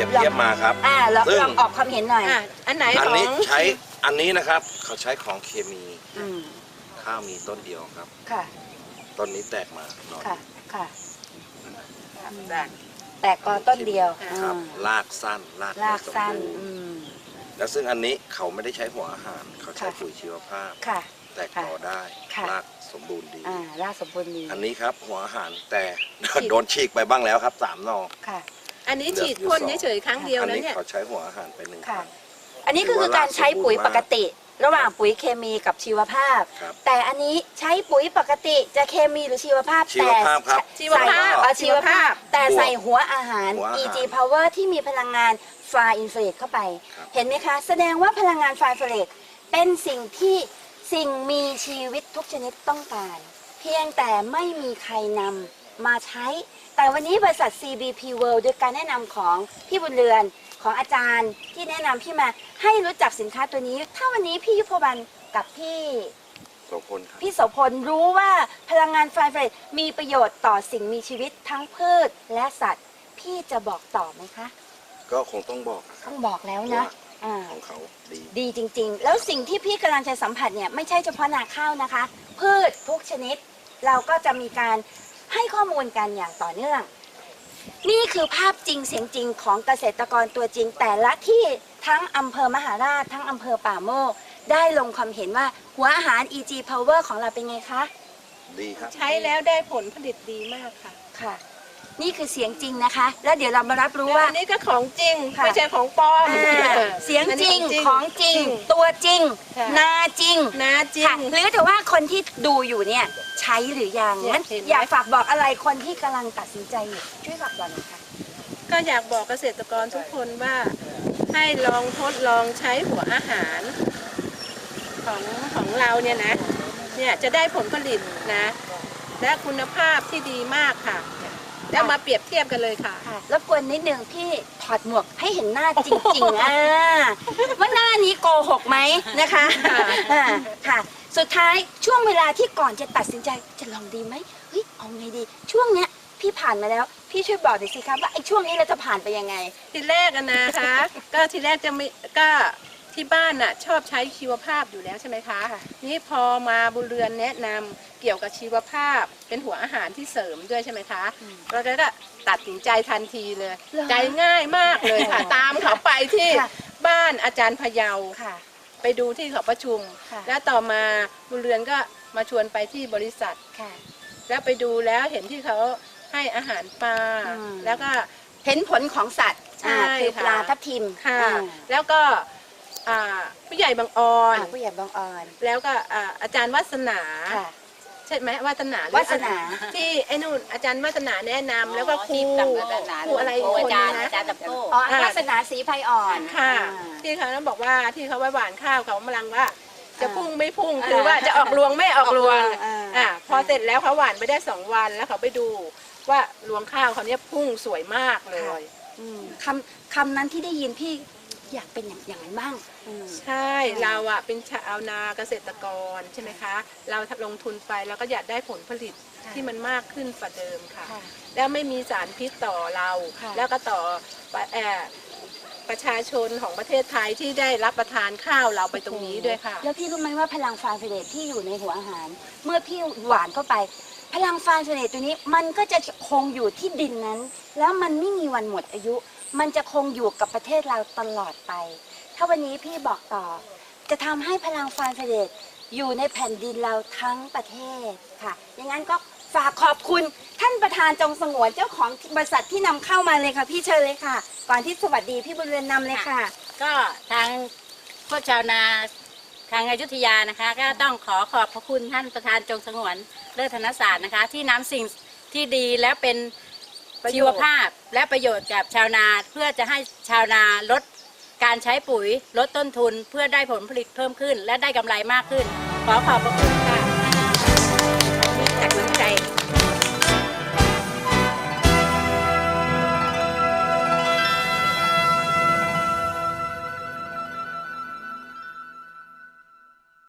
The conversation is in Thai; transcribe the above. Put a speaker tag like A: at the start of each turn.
A: บเทียบมาครับ
B: ลองออกความเห็นหน่อย
A: อันไหนอันนี้ใช้อันนี้นะครับเขาใช้ของเคมีข้าวมีต้นเดียวครับค่ะต้นนี้แตกมาหน่อยค่ะ
B: แตกกอต้นเดียว
A: ครับรากสั้นรากสั้นแล้วซึ่งอันนี้เขาไม่ได้ใช้หัวอาหารเขาใช้ปุ๋ยชีวภาพแตกกอได้รากสมบูรณ์ดี
B: รากสมบูรณ์ดี
A: อันนี้ครับหัวอาหารแต่โดนฉีกไปบ้างแล้วครับ3 หน่อ
C: ค่ะอันนี้ฉีดพ่นเฉยๆครั้งเดียวนะเนี่ย
A: เขาใช้หัวอาหารไป1 ครั้ง
B: อันนี้คือการใช้ปุ๋ยปกติระหว่างปุ๋ยเคมีกับชีวภาพแต่อันนี้ใช้ปุ๋ยปกติจะเคมีหรือชีวภาพแต่
C: ชีวภาพ
B: แต่ใส่หัวอาหาร EG Power ที่มีพลังงานฟาอินฟราเรดเข้าไปเห็นไหมคะแสดงว่าพลังงานฟาอินฟราเรดเป็นสิ่งที่สิ่งมีชีวิตทุกชนิดต้องการเพียงแต่ไม่มีใครนำมาใช้แต่วันนี้บริษัท CBP World โดยการแนะนำของพี่บุญเรือนของอาจารย์ที่แนะนำพี่มาให้รู้จักสินค้าตัวนี้ถ้าวันนี้พี่ยุพวรรณกับพี่
A: โสพล
B: รู้ว่าพลังงานไฟเฟรดมีประโยชน์ต่อสิ่งมีชีวิตทั้งพืชและสัตว์พี่จะบอกต่อไหมคะ
A: ก็คงต้องบอก
B: แล้วนะ
A: ของเขา
B: ดีจริงๆแล้วสิ่งที่พี่กำลังจะสัมผัสเนี่ยไม่ใช่เฉพาะนาข้าวนะคะพืชทุกชนิดเราก็จะมีการให้ข้อมูลกันอย่างต่อเนื่องนี่คือภาพจริงเสียงจริงของเกษตรกรตัวจริงแต่ละที่ทั้งอำเภอมหาราชทั้งอำเภอป่าโมกได้ลงความเห็นว่าหัวอาหาร EG Power ของเราเป็นไงคะ
A: ดีครับ
C: ใช้แล้วได้ผลผลิตดีมากค่ะ
B: ค่ะนี่คือเสียงจริงนะคะแล้วเดี๋ยวเรามารับรู้ว่า
C: นี่ก็ของจริงไม่ใช่ของปลอม
B: เสียงจริงของจริงตัวจริงนาจริงหรือแต่ว่าคนที่ดูอยู่เนี่ยใช้หรือยังงั้นอยากฝากบอกอะไรคนที่กำลังตัดสินใจอยู่ช่วยฝากบอกหน่อยค่ะ
C: ก็อยากบอกเกษตรกรทุกคนว่าให้ลองทดลองใช้หัวอาหารของเราเนี่ยนะเนี่ยจะได้ผลผลิตนะและคุณภาพที่ดีมากค่ะแล้วมาเปรียบเทียบกันเลยค่ะ
B: รบกวนนิดนึงพี่ถอดหมวกให้เห็นหน้าจริงๆว่าหน้านี้โกหกไหมนะคะค่ะสุดท้ายช่วงเวลาที่ก่อนจะตัดสินใจจะลองดีไหมเฮ้ยเอาไงดีช่วงเนี้ยพี่ผ่านมาแล้วพี่ช่วยบอกหน่อยสิครับว่าไอ้ช่วงนี้เราจะผ่านไปยังไง
C: ทีแรกนะคะก็ทีแรกจะไม่ก็ที่บ้านน่ะชอบใช้ชีวภาพอยู่แล้วใช่ไหมคะนี่พอมาบุญเรือนแนะนำเกี่ยวกับชีวภาพเป็นหัวอาหารที่เสริมด้วยใช่ไหมคะเราก็ตัดสินใจทันทีเลยใจง่ายมากเลยค่ะตามเขาไปที่บ้านอาจารย์พะเยาไปดูที่เขาประชุมแล้วต่อมาบุญเรือนก็มาชวนไปที่บริษัทแล้วไปดูแล้วเห็นที่เขาให้อาหารปลาแล้วก็
B: เห็นผลของสัตว์คือปลาทับทิม
C: ค่ะแล้วก็ผู้ใหญ่บางออนแล้วก็อาจารย์วัฒนาใช่ไหมวัฒนาที่ไอ้นู่นอาจารย์วัฒนาแนะนำแล้วก็ครูอะไร
B: อาจารย์ตับโต้วัฒนาศรีไพอ่อน
C: ค่ะที่เขาบอกว่าที่เขาไว้หวานข้าวเขากำลังว่าจะพุ่งไม่พุ่งคือว่าจะออกรวงไม่ออกรวงพอเสร็จแล้วเขาหวานไปได้2 วันแล้วเขาไปดูว่ารวงข้าวเขาเนี้ยพุ่งสวยมากเลย
B: คำนั้นที่ได้ยินพี่อยากเป็นอย่างนั้นบ้าง
C: ใช่เราอะเป็นชาวนาเกษตรกรใช่ไหมคะเราลงทุนไปแล้วก็อยากได้ผลผลิตที่มันมากขึ้นกว่าเดิมค่ะแล้วไม่มีสารพิษต่อเราแล้วก็ต่อประชาชนของประเทศไทยที่ได้รับประทานข้าวเราไปตรงนี้ด้วยค่ะ
B: แล้วพี่รู้ไหมว่าพลังฟาร์มเฟเดตที่อยู่ในหัวอาหารเมื่อพี่หวานเข้าไปพลังฟาร์มเฟเดตตัวนี้มันก็จะคงอยู่ที่ดินนั้นแล้วมันไม่มีวันหมดอายุมันจะคงอยู่กับประเทศเราตลอดไปถ้าวันนี้พี่บอกต่อจะทำให้พลังฟาร์มเฟเดตอยู่ในแผ่นดินเราทั้งประเทศค่ะอย่างนั้นก็ฝากขอบคุณท่านประธานจงสงวนเจ้าของบริษัทที่นำเข้ามาเลยค่ะพี่เชิญเลยค่ะก่อนที่สวัสดีพี่บุญเรือนนำเลยค่ะ
D: ก็ทางพวกชาวนาทางอยุธยานะคะก็ต้องขอบพระคุณท่านประธานจงสงวนเลิศธนศาสตร์นะคะที่นำสิ่งที่ดีและเป็นชีวภาพและประโยชน์กับชาวนาเพื่อจะให้ชาวนาลดการใช้ปุ๋ยลดต้นทุนเพื่อได้ผลผลิตเพิ่มขึ้นและได้กำไรมากขึ้นขอขอบพระคุณค่ะ